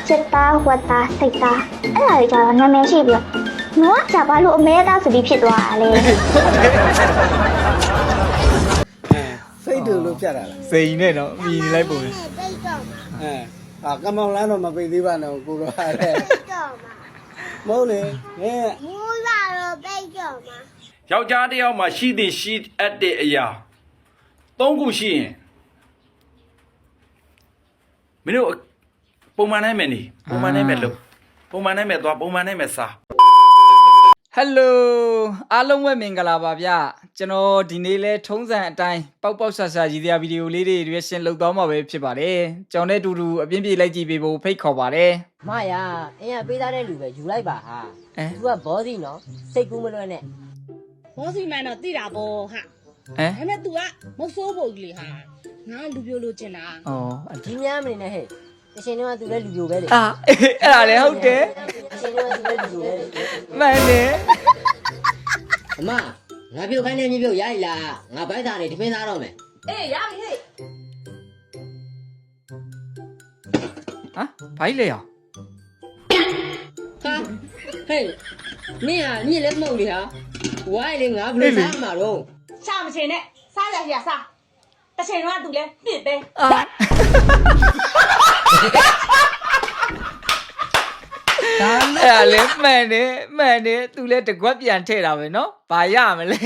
စစ်သားဝတ်သားစိတ်သားအဲ့ဒါတွေကြတော့နာမည်ရှိပြီးတော့ကဘာလို့အမဲသားဆိုပြီးဖြစ်သွားတာလဲစိတ်တူလို့ပြတ်တာလားစိန်နဲ့တော့မြည်နေလိုက်ပုံလေကမောင်လန်းတော့မပိတ်သေးပါနဲ့ကိုတော့ဟာလေမဟုတ်လေမူးလာတော့ပိတ်ကြောမှာယောက်ျားတစ်ယောက်မှာရှိသည်ရှိအပ်တဲ့အရာ၃ခုရှိရင်မင်းတို့ပုံမှန်နိုင်မယ်နေပုံမှန်နိုင်မယ်လို့ပုံမှန်နိုင်မယ်သွားပုံမှန်နိုင်မယ်စားဟယ်လိုအားလုံးပဲမင်္ဂလာပါဗျကျွန်တော်ဒီနေ့လဲထုံးစံအတိုင်းပေါက်ပေါက်ဆာဆာရည်ရွယ်ဗီဒီယိုလေးတွေရွေးရှင်လုပ်သွားမှာပဲဖြစ်ပါတယ်ကျွန်တော်နဲ့အတူတူအပြင်းပြေးလိုက်ကြည့်ပေးဖို့ဖိတ်ခေါ်ပါတယ်မရအင်းကပေးသားတဲ့လူပဲယူလိုက်ပါဟာသူကဘောစီနော်စိတ်ကူးမလွဲနဲ့ဘောစီမန်တော့တိတာပေါ့ဟာဒါပေမဲ့ तू ကမဆိုးဖို့ကြီးလေဟာငါလူပြိုလို့ကျင်တာဩဒီများမနေနဲ့ဟဲ့အရှင်တော့သူလည်းလူပြိုပဲလေအဲ့ဒါလည်းဟုတ်တယ်အရှင်တော့သူလည်းလူပြိုပဲလေမှန်တယ်အမငါပြုတ်ခိုင်းနေမြေပြုတ်ရည်လားငါဘိုက်သားနေတမင်းသားတော့မယ်အေးရပြီဟဲ့ဘိုက်လေရောဟာဟဲ့မင်းညစ်လည်းမဟုတ်လေဟာဝိုင်းလေငါဘယ်လိုစားမှာတော့ရှာမချင်နဲ့စားရရစားတစ်ချိန်တော့ तू လဲပြစ်ပဲအဲ့ဒါလည်းမှန်တယ်သူလဲတကွက်ပြန်ထည့်တာပဲเนาะဘာရမလဲ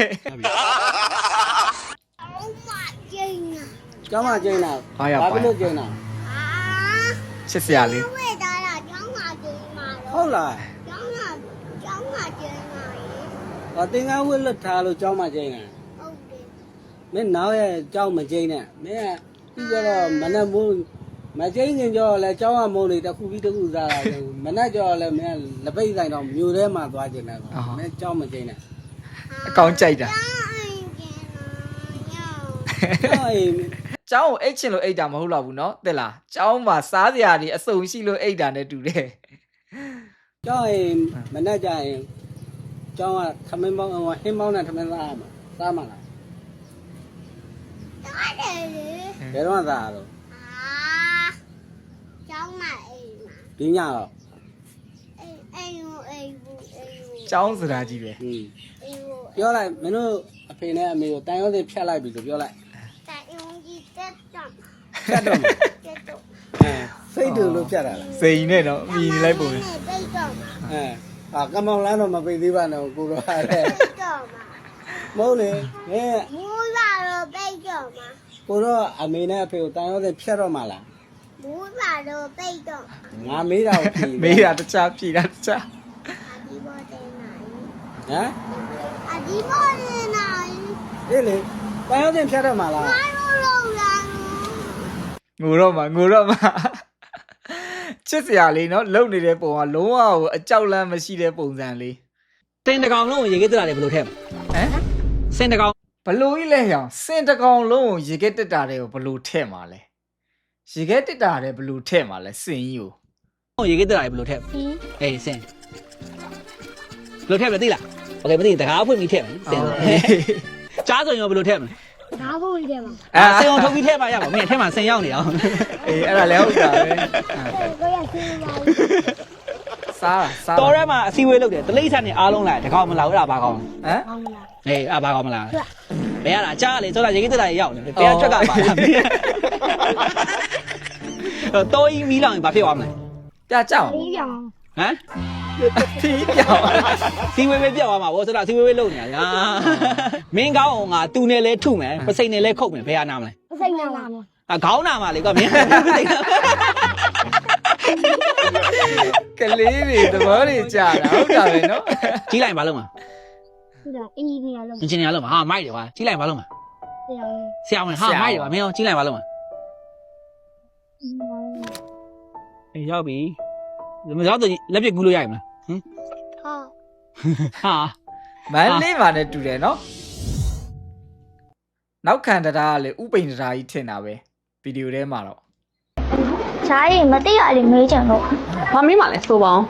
ကျောင်းမကျင်းတာဘာလို့ကျင်းတာချစ်စရာလေးဝေတာလားကျောင်းမှာကျင်းမှာတော့ဟုတ်လားကျောင်းမှာကျင်းမှာရေသင်္ကန်းဝတ်လွတ်ထားလို့ကျောင်းမကျင်းတာဟုတ်တယ်မင်းနောက်ရဲ့ကျောင်းမကျင်းနဲ့မင်းကပြီးတော့မနက်မိုးမကျင်းခင်ကျော်လဲကျောင်းကမိုးလေးတစ်ခုပြီးတစ်ခုစားတာမနက်ကျော်လဲမင်းလက်ပိတ်ဆိုင်တော့မြို့ထဲမှာသွားကျင်တယ်မင်းကျောင်းမကျင်းနဲ့အကောင်ကြိုက်တာကျောင်းကိုအိတ်ချင်လို့အိတ်တာမဟုတ်တော့ဘူးเนาะတဲ့လားကျောင်းမှာစားစရာတွေအစုံရှိလို့အိတ်တာနဲ့တူတယ်ကျောင်းရင်မနက်ကျရင်ကျောင်းကထမင်းပေါင်းဟင်းပေါင်းနဲ့ထမင်းစားရမှာစားမှာလားစားတယ်လေဘယ်တော့စားရတော့ကျောင်းမှာအိမ်မှာဒီညတော့အိမ်ကျောင်းစရာကြီးပဲပြောလိုက်မင်းတို့အဖေနဲ့အမေကိုတန်ရုံးစင်ဖြတ်လိုက်ပြီလို့ပြောလိုက်တန်ရုံးကြီးတက်တော့စိတ်တူလို့ဖြတ်တာလားစိန်နဲ့တော့မြည်နေလိုက်ပုံလေပိတ်တော့ကမောင်လန်းတော့မပိတ်သေးပါနဲ့ကိုတော့ဟာလေတော့မဟုတ်လေမူးလာတော့ပိတ်တော့မှာကိုတော့အမေနဲ့အဖေကိုတန်ရုံးစင်ဖြတ်တော့မှာလားမူးလာတော့ပိတ်တော့ငါမေးတာကိုမေးတာတခြားဖြေတာတခြားဒီဘောတဲ့နိုင်ဒီဘောတဲ့နိုင်လေတန်ရုံးစင်ဖြတ်တော့မှာလားငါတို့လောက်လာငိုတော့မှာချစ်စရာလေးเนาะလုံနေတဲ့ပုံကလုံးဝအကြောက်လန့်မရှိတဲ့ပုံစံလေးစင်တကောင်လုံးကိုရေခဲတက်တာလေဘယ်လိုထည့်စင်တကောင်ဘလို့ကြီးလဲဟောင်စင်တကောင်လုံးကိုရေခဲတက်တာတွေကိုဘလို့ထည့်မှာလဲရေခဲတက်တာတွေဘလို့ထည့်မှာလဲစင်ကြီးကိုရေခဲတက်တာလေဘယ်လိုထည့်အေးစင်ဘယ်လိုထည့်မလဲသိလားโอเคမသိတကားဖွင့်ပြီးထည့်မယ်စင်ကြားဆိုရင်ဘယ်လိုထည့်မလဲဒါဖို့ကြီးတယ်မှာစင်အောင်ထုတ်ပြီးထည့်ပါရပါမင်းထဲမှာစင်ရောက်နေအောင်အေးအဲ့ဒါလည်းဟုတ်တာပဲကိုရစင်းပါစားတော်ရဲမှာအစည်းအဝေးလုပ်တယ်တလိမ့်ဆန်နေအားလုံးလာတကောင်မလာဘူးလားဘာကောင်ဟမ်အေးဘာကောင်မလာဘယ်ရတာကြားလေစောတာရေကြီးတက်တာရောက်နေဘယ်ကချက်ကပါလားတော်ကြီးမီးလောင်ရင်ဘာဖြစ်သွားမလဲပြကြောက်ပြီးပြောင်းဟမ်ဖီးပြောင်းစီဝေးပြောက်သွားမှာဗောစောတာစီဝေးလုပ်နေတာမင်းကောင်းအောင်ငါတူနဲ့လဲထုမယ်ပစိန်နဲ့လဲခုတ်မယ်ဘယ်ရနာမလဲပစိန်နာမခေါင်းနာမှာလေကွာမင်းကလေးတွေသဘောတွေကြာတာဟုတ်တာပဲနော်ကြီးလိုက်ပါလုံးမဟုတ်တာအင်ဂျင်နီယာလုံးအင်ဂျင်နီယာလုံးဟာမိုက်တယ်ကွာကြီးလိုက်ပါလုံးမဆရာဝန်ဟာမိုက်တယ်ကွာမင်းရောကြီးလိုက်ပါလုံးမအေးရောက်ပြီမရောက်တော့လက်ပြကူးလို့ရရင်မလားဟင်ဟာမန်းလေးပါနဲ့တူတယ်နော်နောက်ခံတရားကလေဥပိန်တရားကြီးထင်တာပဲဗီဒီယိုထဲမှာတော့ဈာရီမသိရလေမေးကြတော့ဘာမေးမှလဲဆိုပါအောင်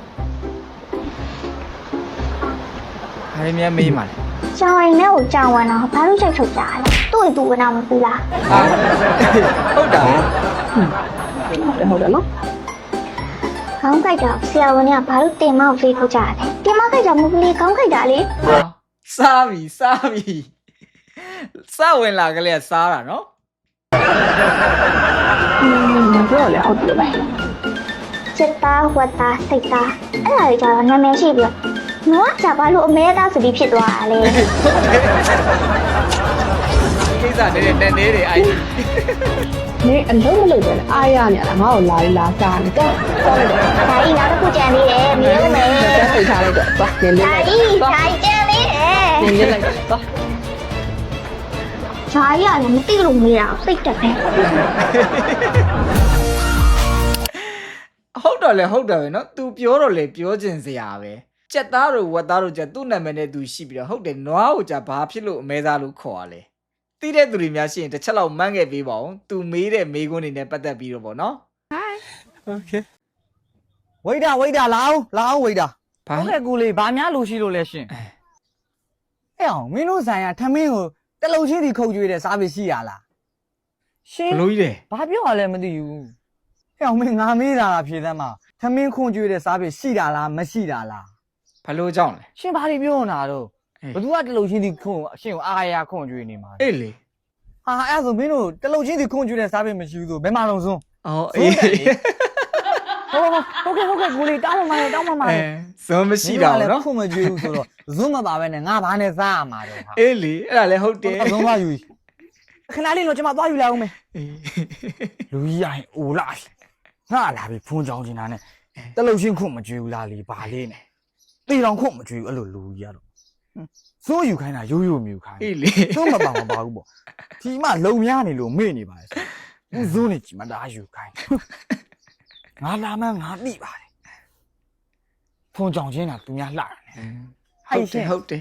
ဘာလဲမေးမှလဲကြောင်ရင်နဲ့ကိုကြောင်ဝင်တော့ဘာလို့ချိန်ထုတ်ကြလဲသူ့ရင်သူကနာမသိလားဟုတ်တာဟုတ်တယ်နော်ခေါင်းကြိုက်တာဆရာဝန်ကဘာလို့တင်မောက်ဖေးထုတ်ကြတယ်တင်မောက်ကြိုက်တာမဟုတ်ဘူးလေခေါင်းကြိုက်တာလေဟာစားပြီစဝင်လာကလေးကစားတာနော်မပြောလေဟုတ်တယ်ပဲစစ်သားဝတ်သားစိတ်သားအဲ့ဒါကြီးကျတော့နာမည်ရှိပြီးတော့ငါကဘာလို့အမဲသားဆိုပြီးဖြစ်သွားတာလဲကိစ္စနေတဲ့တန်နေတွေအိုက်နေအလုံးမလုံးပဲအားရနေလားငါ့ကိုလာစားနေတော့လိုက်တယ်ဒါကြီးနောက်တစ်ခုကြံသေးတယ်မင်းမယ်တက်ထိထားလိုက်တော့သွားနင်းလေးဒါလိုက်ကြီးဒါကြီးကြံသေးတယ်နင်းလေးလိုက်တော့သွားဂျာကြီးကလည်းမသိလို့မေးတာစိတ်တက်တယ်ဟုတ်တယ်ပဲနော် तू ပြောတော့လေပြောချင်စရာပဲကြက်သားတို့ဝက်သားတို့ကြသူ့နာမည်နဲ့ तू ရှိပြီးတော့ဟုတ်တယ်နွားကိုကြဘာဖြစ်လို့အမဲသားလို့ခေါ်ရလဲသိတဲ့သူတွေများရှိရင်တစ်ချက်လောက်မှန်းခဲ့ပေးပါဦး तू မေးတဲ့မေးခွန်းတွေနဲ့ပတ်သက်ပြီးတော့ဗောနော်ဝိဒါလာအောင်ဝိဒါဘာဟုတ်ကဲ့ကိုလေးဘာများလို့ရှိလို့လဲရှင်အဲ့အောင်မင်းတို့ဆိုင်ရာထမင်းကိုတလုံချင်းစီခုတ်ကျွေးတဲ့စားပစ္စည်းရလားရှင်ဘလို့ကြီးတယ်ဘာပြောရလဲမသိဘူးအဲ့အောင်မင်းငါမေးတာဖြေသမ်းမှာထမင်းခွန်ကျွေးတဲ့စားပစ္စည်းရှိတာလားမရှိတာလားဘလို့ကြောင့်လဲရှင်ဘာတွေပြောနေတာတော့ဘသူကတလုံချင်းစီခွန်ရှင်ကိုအားရခွန်ကျွေးနေမှာအေးလေဟာအဲ့ဆိုမင်းတို့တလုံချင်းစီခွန်ကျွေးတဲ့စားပစ္စည်းမရှိဘူးဆိုဘယ်မှာလုံးစုံအော်အေးဟုတ်ကဲ့ကိုလေးတောင်းမှမဇွန်မရှိတာဗောနော်ခွန်မကျွေးဘူးဆိုတော့ဇွန်းမပါပဲနဲ့ငါဘာနဲ့စားရမှာတော့ဟာအေးလေအဲ့ဒါလည်းဟုတ်တယ်ဇွန်းသွားယူခဏလေးတော့ကျွန်မသွားယူလိုက်အောင်မယ်အေးလူကြီးရရင်အိုလာငါလာပြီဖုန်းကြောင်းနေတာနဲ့တလုတ်ချင်းခွတ်မကြွေဘူးလားလေဘာလေးနဲ့တေတောင်ခွတ်မကြွေဘူးအဲ့လိုလူကြီးရတော့စိုးယူခိုင်းတာရိုးမြူခိုင်းအေးလေသုံးမပါဘူးပေါ့ဒီမှလုံများနေလို့မေ့နေပါလေဇိုးနေကြည့်မတားယူခိုင်းငါလာမှငါသိပါတယ်ဖုန်းကြောင်းချင်းတာသူများလှတယ်ဟုတ်တယ်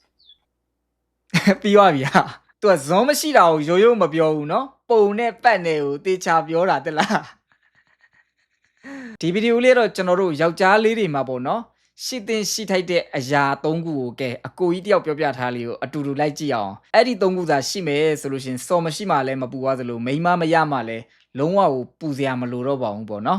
ပြီးသွားပြီဟာသူကဇွန်မရှိတာကိုရိုးမပြောဘူးနော်ပုံနဲ့ပတ်နဲ့ကိုတေချာပြောတာတက်လားဒီဗီဒီယိုလေးတော့ကျွန်တော်တို့ယောက်ျားလေးတွေမှာပေါ့နော်ရှိတင်ရှိထိုက်တဲ့အရာ၃ခုကိုကဲအကိုကြီးတယောက်ပြောပြထားလေးကိုအတူတူလိုက်ကြည့်အောင်အဲ့ဒီ၃ခုသာရှိမယ်ဆိုလို့ရှင်စော်မရှိမှလည်းမပူသွားသလိုမိန်းမမရမှလည်းလုံးဝကိုပူစရာမလိုတော့ပါဘူးပေါ့နော်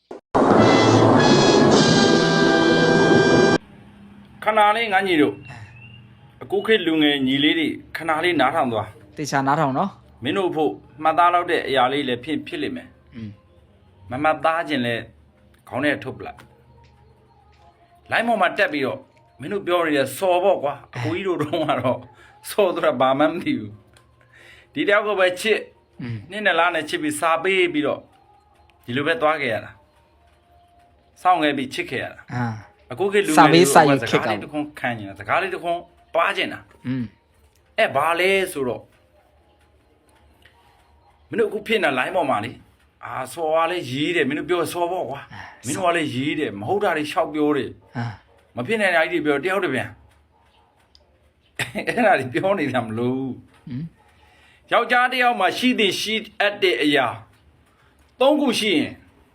ခဏလေးငါညီတို့အခုခေတ်လူငယ်ညီလေးတွေခဏလေးနားထောင်သွားတေချာနားထောင်နော်မင်းတို့ဖို့မှတ်သားလောက်တဲ့အရာလေးလည်းဖြစ်လိမ့်မယ်မမှတ်သားခြင်းလဲခေါင်းထဲထုတ်ပလိုက်လိုင်းပေါ်မှာတက်ပြီးတော့မင်းတို့ပြောနေတဲ့စော်ပေါ့ကွာအကိုကြီးတို့တော့ကတော့စော်တော့ဘာမှမသိဘူးဒီတယောက်ကပဲချစ်နှစ်နဲ့လားနဲ့ချစ်ပြီးစာပေးပြီးတော့ဒီလိုပဲသွားခဲ့ရတာစောင့်ခဲ့ပြီးချစ်ခဲ့ရတာအာအခုခေတ်လူငယ်တွေစကားလေးတစ်ခွန်းခံနေတာစကားလေးတစ်ခွန်းပွားကျင်တာအဲ့ဘာလဲဆိုတော့မင်းတို့အခုဖြစ်နေ line ပေါ်မှာလေအာစော်ကလည်းရေးတယ်မင်းတို့ပြောစော်ပေါ့ကွာမင်းတို့ကလည်းရေးတယ်မဟုတ်တာတွေရှောက်ပြောတယ်အာမဖြစ်နိုင်တာကြီးတွေပြောတယောက်တည်းပြန်အဲ့ဒါတွေပြောနေတာမလို့ယောက်ျားတစ်ယောက်မှာရှိတဲ့ရှိအပ်တဲ့အရာ၃ခုရှိရင်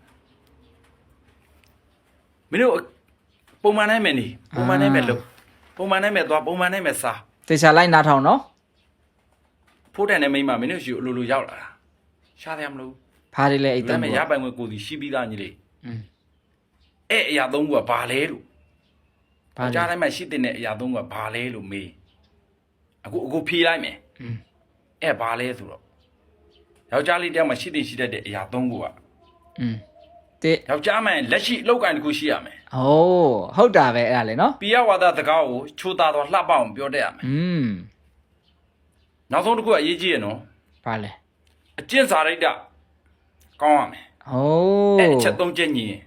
မင်းတို့ပုံမှန်နိုင်မယ်နေပုံမှန်နိုင်မယ်လို့ပုံမှန်နိုင်မယ်သွားပုံမှန်နိုင်မယ်စားတေချာလိုက်နားထောင်နော်ဖိုးတန်တဲ့မိန်းမမင်းတို့ရှိအလိုလိုရောက်လာတာရှားတယ်မလို့ဖားလေးလဲအိတ်ဒါတော့ပေမဲ့ရပိုင်ခွင့်ကိုစီရှိပြီးသားညီလေးအဲ့အရာ၃ခုကဘာလဲလို့ဖားကြားတိုင်းမှာရှိတဲ့အရာ၃ခုကဘာလဲလို့မေးအခုဖြေလိုက်မယ်အဲ့ဘာလဲဆိုတော့ယောက်ျားလေးတယောက်မှာရှိတတ်တဲ့အရာ၃ခုကတေယောက်ျားမှန်လက်ရှိအလောက်ကန်တစ်ခုရှိရမယ်โอ้ဟုတ်တာပဲအဲ့ဒါလေနော်ပိယဝါဒစကားကိုချိုးသားတော့လှပအောင်ပြောတတ်ရမယ်နောက်ဆုံးတစ်ခုကအရေးကြီးရနော်ဘာလဲအကျင့်စာရိတ္တကောင်းရမယ်โอ้အဲ့အချက်၃ချက်ညီရင်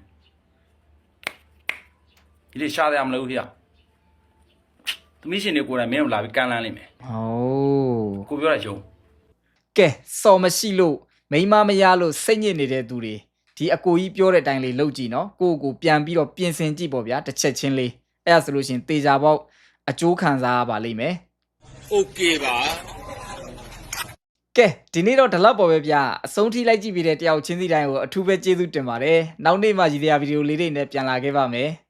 ဒီလေးရှားရမလို့ဖေ။သမီးရှင်တွေကိုယ်တိုင်မင်းတို့လာပြီးကန်လန်းလိမ့်မယ်โอ้။ကိုပြောတာယုံကဲစော်မရှိလို့မိန်းမမရလို့စိတ်ညစ်နေတဲ့သူတွေဒီအကိုကြီးပြောတဲ့အတိုင်းလေးလုပ်ကြည့်နော်ကိုကိုပြန်ပြီးတော့ပြင်ဆင်ကြည့်ပေါ့ဗျာတစ်ချက်ချင်းလေးအဲ့ဒါဆိုလို့ရှင်တေချာပေါက်အကျိုးခံစားရပါလိမ့်မယ်โอเคပါကဲဒီနေ့တော့ဒီလောက်ပေါ်ပဲဗျာအဆုံးထိလိုက်ကြည့်ပြီးတဲ့တယောက်ချင်းစီတိုင်းကိုအထူးပဲကျေးဇူးတင်ပါတယ်နောက်နေ့မှရည်ရွယ်ဗီဒီယိုလေးတွေနဲ့ပြန်လာခဲ့ပါမယ်